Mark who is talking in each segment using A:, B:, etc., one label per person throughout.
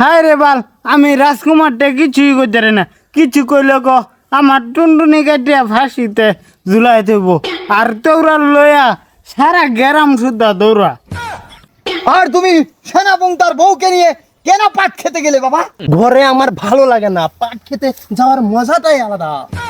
A: হায় রে বাল, আমি রাজকুমারটা কিছুই করতে রে না। কিছু কইলে ক আমার টুনটুনি কাটিয়া ফাঁসিতে ঝুলাই দেব। আর তোরা লইয়া সারা গ্রাম সুদ্ধা দৌড়া।
B: আর তুমি সেনাপং তার বউকে নিয়ে কেন পাট খেতে গেলে বাবা? ঘরে আমার ভালো লাগে না, পাট খেতে যাওয়ার মজাটাই আলাদা।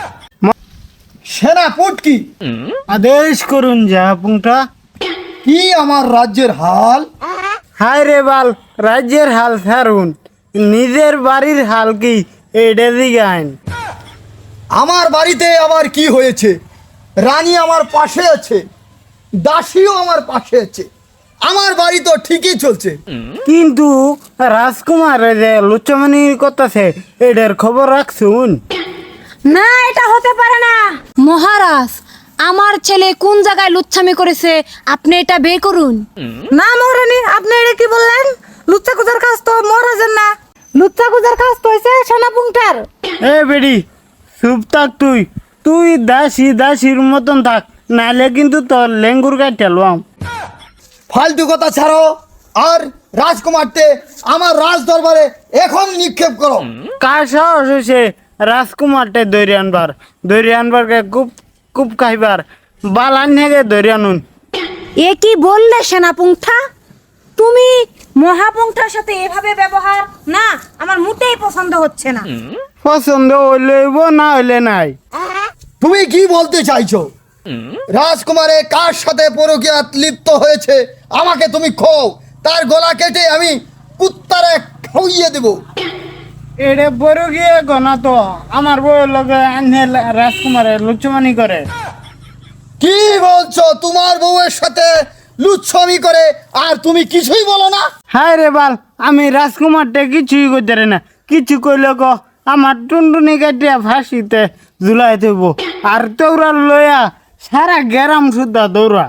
B: সেনাপুট কি
A: আদেশ করুন যা পুংটা।
B: কি আমার রাজ্যের হাল?
A: হায় রে বাল, রাজ্যের হাল ছাড়ুন, নিজের বাড়ির হাল কি এইটা দিকে আইন।
B: আমার বাড়িতে আবার কি হয়েছে? রানী আমার পাশে আছে, দাসীও আমার পাশে আছে, আমার বাড়ি তো ঠিকই চলছে।
A: কিন্তু রাজকুমার যে লুচ্চমণির কথাছে এটার খবর রাখছুন?
C: না, এটা হতে পারে না মহারাজ। আমার ছেলে কোন জায়গায় লুচ্ছামি করেছে আপনি এটা বের করুন। না মহারানী, আপনি এটা কি বললেন? লুচ্চা কুজার কাজ তো মহারাজের না, লুচ্চা কুজার কাজ তো হয়েছে সেনাপুংটার।
A: এ বেডি চুপ থাক, তুই তুই দাসীর মতন থাক, নাহলে কিন্তু তোর লেঙ্গুর কাটতে লম।
B: ফালতু কথা ছাড়ো, আর রাজকুমারকে আমার রাজ দরবারে এখন নিক্ষেপ করো।
A: কার সাহস হয়েছে রাজকুমারটা দৈরি আনবারকে কুপ খাইবার বালান থেকে দৈরি আনুন।
C: এ কি বললে সেনাপুংটা? তুমি মহাপুংটার সাথে এভাবে ব্যবহার না, আমার মোটেই পছন্দ হচ্ছে না।
A: পছন্দ হইলে হইব, না হইলে নাই।
B: তুমি কি বলতে চাইছো? রাজকুমারে কার সাথে পরকীয়াত লিপ্ত হয়েছে আমাকে তুমি খো, তার গলা কেটে আমি কুত্তারে খাইয়ে দেব।
A: এটা বড় গিয়ে গনা তো আমার বউয়ের লগে আনে রাজকুমারের লুচ্চমানি করে।
B: কি বলছো? তোমার বউয়ের সাথে লুচ্ছমি করে আর তুমি কিছুই বলো না?
A: হায় রে বাল, আমি রাজকুমারটা কিছুই করতে রে না। কিছু কইলে ক আমার টুনটুনি কাটিয়া ফাঁসিতে ঝুলাই দেব। আর তোরা লইয়া সারা গ্রাম সুদ্ধা দৌড়া।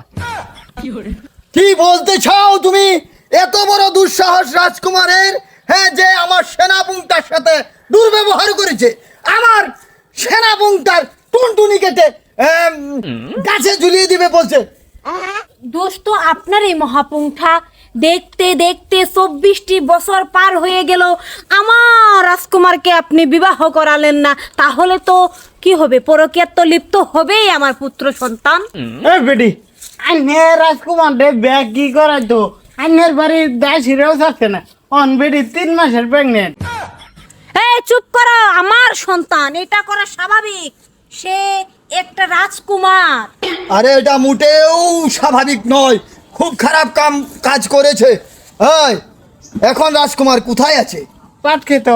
B: কি বলতে চাও তুমি? এত বড় দুঃসাহস রাজকুমারের, হ্যাঁ, যে আমার সেনাপুংটার সাথে দুর্ব্যবহার করেছে, আমার সেনাপুংটার টুনটুনি কেটে গাছে ঝুলিয়ে দিবে বলছে।
C: দোষ তো আপনারই মহাপুংটা। দেখতে দেখতে 24টি বছর পার হয়ে গেল, আমার রাজকুমারকে আপনি বিবাহ করালেন না। তাহলে তো কি হবে? পরকীয়ার তো লিপ্ত হবেই আমার পুত্র সন্তান।
A: এ বেটি, আইনে রাজকুমারটা ব্যাগ কি করাই তো আইনের বাড়ির দাসিরেও থাকছে না। অন বেটি 3 মাসের প্রেগনেন্ট।
C: এই চুপ করো, আমার সন্তান, এটা করা স্বাভাবিক। সে একটা রাজকুমার।
B: আরে এটা মোটেও স্বাভাবিক নয়, খুব খারাপ কাজ করেছে। এই, এখন রাজকুমার কোথায় আছে?
A: পাট খেত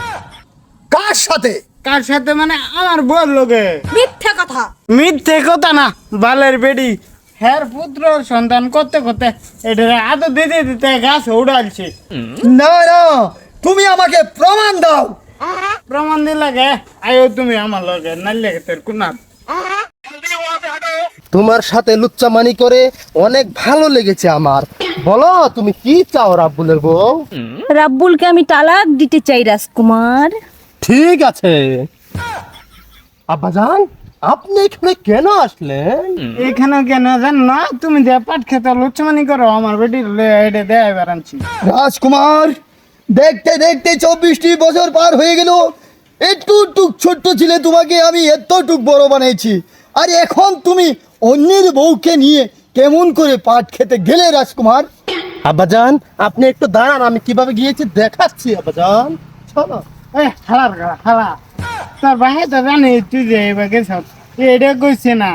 B: কার সাথে?
A: কার সাথে মানে আমার বউর লগে।
C: মিথ্যে কথা।
A: মিথ্যে কথা না, বালের বেডি হ্যার পুত্র সন্তান করতে করতে এটা আদর দিতে দিতে গাছ উড়ালছে।
B: না না, তুমি আমাকে প্রমাণ দাও।
A: প্রমাণ দিলে গে আয়ো তুমি আমার লগে, নাইলে তোর কুনার।
B: তোমার সাথে লুচ্চামানি করে অনেক ভালো লেগেছে আমার। বলো তুমি কি চাও রাব্বুলের বউ?
C: রাব্বুলকে আমি তালাক দিতে চাই রাজকুমার।
B: ঠিক আছে। আব্বাজান, আপনি এখানে কেন আসলেন?
A: এখানে কেন জান না, তুমি যে পাট খেতে লুচ্চমানি করো আমার বেটির এটা দেয় বেড়াচ্ছি।
B: রাজকুমার, দেখতে দেখতে 24টি বছর পার হয়ে গেল। একটু ছোট্ট ছিলে, তোমাকে আমি এতটুক বড় বানিয়েছি, আর এখন তুমি অন্যের বউকে নিয়ে কেমন করে পাট খেতে গেলে রাজকুমার? আব্বাজান, আপনি একটু দাঁড়ান, আমি কিভাবে গিয়েছি দেখাচ্ছি। আব্বাজান চলো।
A: এ হালা তোর ভাই তো জানে তুই যে এবার গেছ, এটা কইছে না।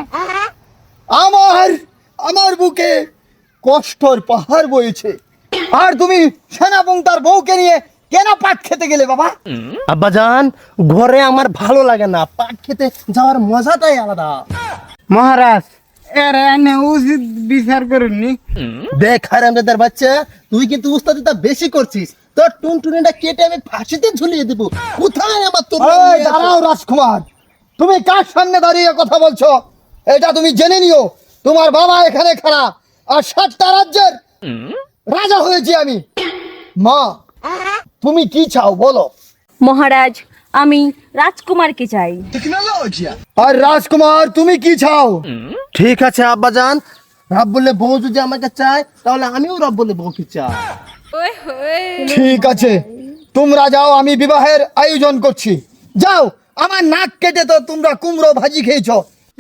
B: আমার বুকে কষ্টর পাহাড় বইছে, আর তুমি সেনাপং তার বউকে নিয়ে কেন পাট খেতে গেলে বাবা? আব্বাজান, ঘরে আমার ভালো লাগে না, পাট খেতে যাওয়ার মজাটাই আলাদা।
A: মহারাজ, এর এনে উচিত বিচার করুননি।
B: দেখ হারামজাদার বাচ্চা, তুই কিন্তু উস্তাদিটা বেশি করছিস। তোর টুনটুনিটা কেটে আমি ফাঁসিতে ঝুলিয়ে দেবো। কোথায় আমার তো? দাঁড়াও রাজকুমার, তুমি কার সামনে দাঁড়িয়ে কথা বলছো এটা তুমি জেনে নিও। তোমার বাবা এখানে খারাপ, আর 7টা রাজ্যের রাজা হয়েছি আমি। মা, তুমি কি চাও বলো?
C: মহারাজ, আমি রাজকুমারকে চাই।
B: আর রাজকুমার, তুমি কি চাও? ঠিক আছে আব্বাজান, রাব্বুলের বউ যদি আমাকে চায়, তাহলে আমিও রাব্বুলের বউকে চাই। ঠিক আছে, তোমরা যাও, আমি বিবাহের আয়োজন করছি। যাও, আমার নাক কেটে তো তোমরা কুমড়ো ভাজি খেয়েছো।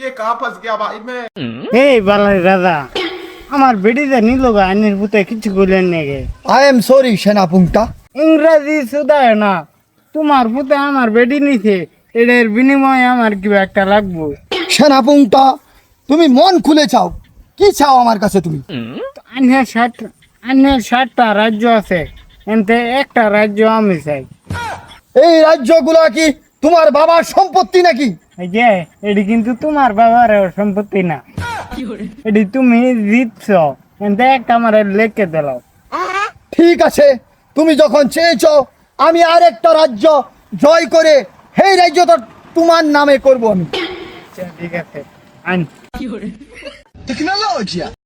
A: এই বালাই রাজা, আমার বেটিতে নিল গা আইনের পুতে কিছু করলেন নাকি?
B: আই এম সরি সেনাপুংটা।
A: ইংরাজি শুধায় না, তোমার পুতে আমার বেটি নিছে, এটার বিনিময়ে আমার কি একটা লাগবো।
B: সেনাপুংটা, তুমি মন খুলে চাও, কি চাও আমার কাছে তুমি?
A: আইনের 7টা রাজ্য আছে, এনতে একটা রাজ্য আমি চাই।
B: এই রাজ্যগুলো কি তোমার বাবার সম্পত্তি নাকি?
A: এই যে এটি কিন্তু তোমার বাবার সম্পত্তি না, এটি তুমি জিতছ, এনতে একটা আমার লেখকে দিলাও।
B: ঠিক আছে, তুমি যখন চেয়েছো, আমি আরেকটা রাজ্য জয় করে সেই রাজ্যটা তোমার নামে করব আমি।
A: আচ্ছা, ঠিক আছে, আইন।
B: টেকনোলজি